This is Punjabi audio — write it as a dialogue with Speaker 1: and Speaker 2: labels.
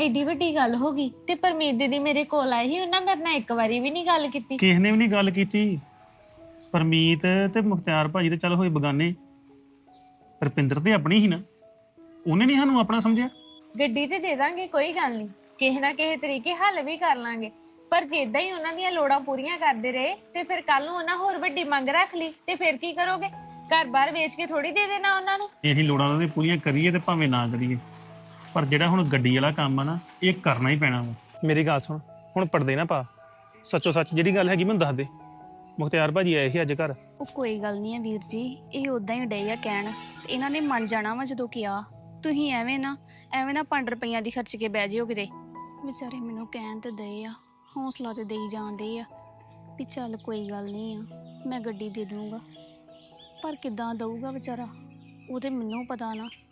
Speaker 1: ਐਡੀ ਵੱਡੀ ਗੱਲ ਹੋ ਗਈ ਤੇ ਪਰਮੀਤ ਦੀਦੀ ਮੇਰੇ ਕੋਲ ਆਈ ਸੀ, ਉਹਨਾਂ ਮੇਰੇ ਨਾਲ ਇੱਕ ਵਾਰੀ ਵੀ ਨਹੀਂ ਗੱਲ ਕੀਤੀ।
Speaker 2: ਕਿਸੇ ਨੇ ਵੀ ਨਹੀਂ ਗੱਲ ਕੀਤੀ। ਪਰਮੀਤ ਤੇ ਮੁਖਤਿਆਰ ਭਾਜੀ ਤੇ ਚੱਲ ਹੋਏ ਬਗਾਨੇ, ਰੁਪਿੰਦਰ ਤੇ ਆਪਣੀ ਹੀ ਨਾ, ਉਹਨੇ ਨਹੀਂ ਸਾਨੂੰ ਆਪਣਾ ਸਮਝਿਆ।
Speaker 1: ਗੱਡੀ ਤੇ ਦੇ ਦਾਂਗੇ, ਕੋਈ ਗੱਲ ਨਹੀਂ, ਕਿਸੇ ਨਾ ਕਿਸੇ ਤਰੀਕੇ ਹੱਲ ਵੀ ਕਰ ਲਾਂਗੇ। ਪਰ ਜੇ ਇਦਾਂ ਹੀ ਉਹਨਾਂ ਦੀਆਂ ਲੋੜਾਂ ਪੂਰੀਆਂ ਕਰਦੇ ਰਹੇ ਤੇ ਫਿਰ ਕੱਲ ਨੂੰ ਉਹਨਾਂ ਹੋਰ ਵੱਡੀ ਮੰਗ ਰੱਖ ਲਈ ਤੇ ਫਿਰ ਕੀ ਕਰੋਗੇ? ਘਰ-ਬਾਰ ਵੇਚ ਕੇ ਥੋੜੀ ਦੇ ਦੇਣਾ ਉਹਨਾਂ ਨੂੰ।
Speaker 2: ਜੇ ਅਸੀਂ ਲੋੜਾਂ ਉਹਨਾਂ ਦੀਆਂ ਪੂਰੀਆਂ ਕਰੀਏ ਤੇ ਭਾਵੇਂ ਨਾ ਕਰੀਏ, ਪਰ ਜਿਹੜਾ ਹੁਣ ਗੱਡੀ ਵਾਲਾ ਕੰਮ ਆ ਨਾ, ਇਹ ਕਰਨਾ ਹੀ ਪੈਣਾ ਵਾ।
Speaker 3: ਮੇਰੀ ਗੱਲ ਸੁਣ, ਹੁਣ ਪਰਦੇ ਨਾ ਪਾ, ਸੱਚੋ ਸੱਚ ਜਿਹੜੀ ਗੱਲ ਹੈਗੀ ਮੈਨੂੰ ਦੱਸ ਦੇ। ਮੁਖਤਿਆਰ ਭਾਜੀ ਆਏ ਸੀ ਅੱਜ ਘਰ।
Speaker 4: ਉਹ ਕੋਈ ਗੱਲ ਨਹੀਂ ਹੈ ਵੀਰ ਜੀ, ਇਹ ਉਦਾਂ ਹੀ ਡੇ ਆ ਕਹਿਣ, ਤੇ ਇਹਨਾਂ ਨੇ ਮੰਨ ਜਾਣਾ ਵਾ ਜਦੋਂ ਕਿਹਾ। ਤੁਸੀਂ ਐਵੇਂ ਨਾ 5 ਰੁਪਈਆਂ ਦੀ ਖਰਚ ਕੇ ਬਹਿ ਜਿਓ ਕਿਤੇ। ਵਿਚਾਰੇ ਮੈਨੂੰ ਕਹਿਣ ਤੇ ਦਏ ਆ, ਹੌਸਲਾ ਤੇ ਦੇਈ ਜਾਂਦੇ ਆ ਵੀ ਚੱਲ ਕੋਈ ਗੱਲ ਨਹੀਂ ਆ, ਮੈਂ ਗੱਡੀ ਦੇ ਦੂੰਗਾ। ਪਰ ਕਿੱਦਾਂ ਦਊਗਾ ਵਿਚਾਰਾ, ਉਹ ਤੇ ਮੈਨੂੰ ਪਤਾ ਨਾ।